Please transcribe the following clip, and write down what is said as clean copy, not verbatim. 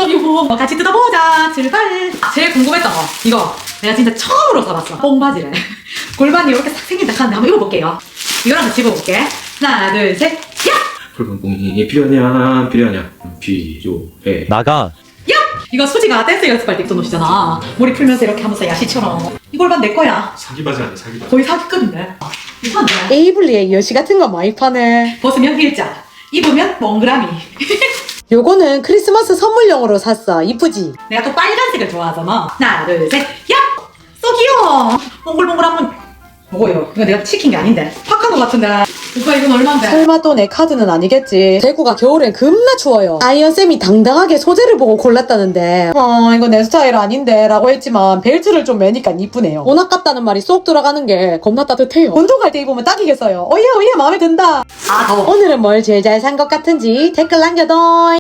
이거 같이 뜯어보자. 출발. 제일 궁금했던 거 이거 내가 진짜 처음으로 써봤어. 뽕바지를 골반이 이렇게 싹 생긴다 하는데 한번 입어볼게요. 이거랑 같이 입어볼게. 하나 둘 셋. 야! 붉은 뽕이 필요하냐 필요해. 나가. 야! 이거 수지가 댄스 연습할 때 입던 옷이잖아. 머리 풀면서 이렇게 하면서 야시처럼. 이 골반 내 거야. 사기 바지 아니야 사기 바지. 거의 사기급인데. 이상한데? 에이블리에 여시 같은 거 많이 파네. 벗으면 일자, 입으면 몽그라미. 요거는 크리스마스 선물용으로 샀어. 이쁘지? 내가 또 빨간색을 좋아하잖아. 하나 둘 셋. 야! so 귀여워. 몽글몽글 한번. 뭐예요? 이거 내가 시킨 게 아닌데. 팍한 거 같은데. 오빠 이건 얼만데? 설마 또 내 카드는 아니겠지. 대구가 겨울엔 겁나 추워요. 아이언쌤이 당당하게 소재를 보고 골랐다는데 이거 내 스타일 아닌데 라고 했지만 벨트를 좀 매니까 이쁘네요. 옷 아깝다는 말이 쏙 들어가는 게 겁나 따뜻해요. 운동할 때 입으면 딱이겠어요. 어예 마음에 든다. 아 더워. 오늘은 뭘 제일 잘 산 것 같은지 댓글 남겨둬.